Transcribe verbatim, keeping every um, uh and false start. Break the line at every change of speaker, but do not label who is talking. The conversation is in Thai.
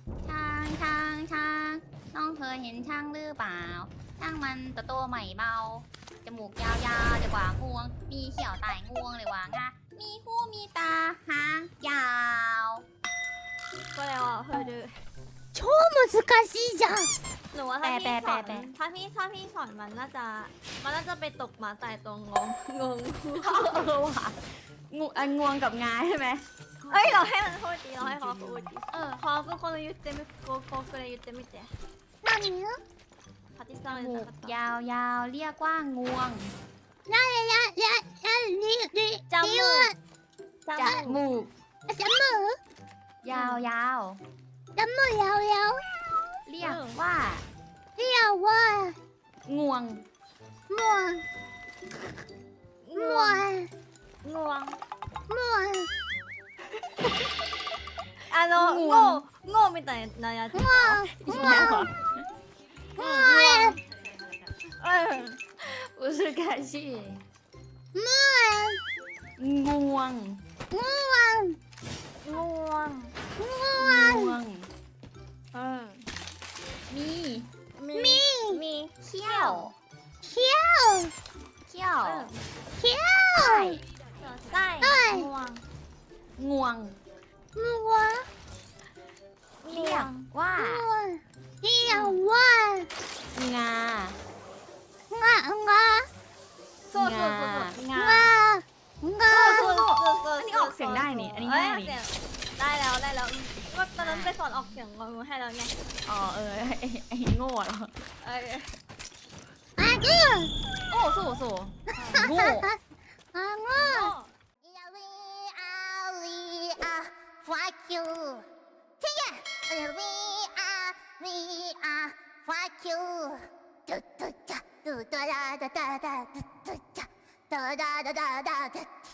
ช้างช้างช้างน้องเคยเห็นช้างหรือเปล่าช้างมันตัวโตใหม่เบาจมูกยาวๆเดี๋ยวกว่างวงมีเขียวไต่งวงเลยว่างะมีหูมีตาหางยาว
ก็แล้วอ่ะเธอดู
超難しいじゃん
หนูว่าถ้า
แปล
พี่
แปล
สอน
แปล
ถ้าพี่ถ้าพี่สอนมันน่าจะมันน่าจะไปตกหมาตายตรงงงงง
เออว่ะงูอ่ะงวงกับงาใช่ไหม
เอ้ยเราให้มันพูดดีเราให้เขาพูดดี
เออ
พอก็คน言ってみこここれ言ってみて
何よ
パティさん
จมู
言っ
ก
たかった
ยาวๆเรียกว่างวง
ややややりり
ジャム
りゅう
จ
จมูก
ジャム
ยาว
ジャムやおやお
ๆเรียกว่า
りやわ
งวง
もわ
ง
も
ว
わ
งงวง
もわ
あの
งวง
งงみたいなやつ
もわ
อีกแล้วเหรอ
もわ
เออ
อุซึกาชิ
も
งวง
わもわ
งวง
も
ง
わ
วง
เออ
มี
มี
み
มี
เขี้ยว
ひゃお
เขี้ยว
เออ
ひゃ
ไส้
ใช่
ใช่
งวง
งวง
おもわ
เรียกว่า
もわひやわ
งา
がが
そうそうそうそう
งา
がが
そうそうそうそう
อันนี้ออกเสียงได้นี่อันนี้ง่ายนี่
เอ้เสีงได้แล้วได้แล้วก็ตอนนั้นไปสอนออกเสียงงงให้แล้วไง
อ๋อเออไอ้ไอ้โง่เหรอ
เออ
あぐ
โอ้สู้สู้โง่
あぐ Yeah, we are, we are, fuck you. Yeah, we are, we are, fuck you. Do do da, do da da da da da, do do da, da da da da da da.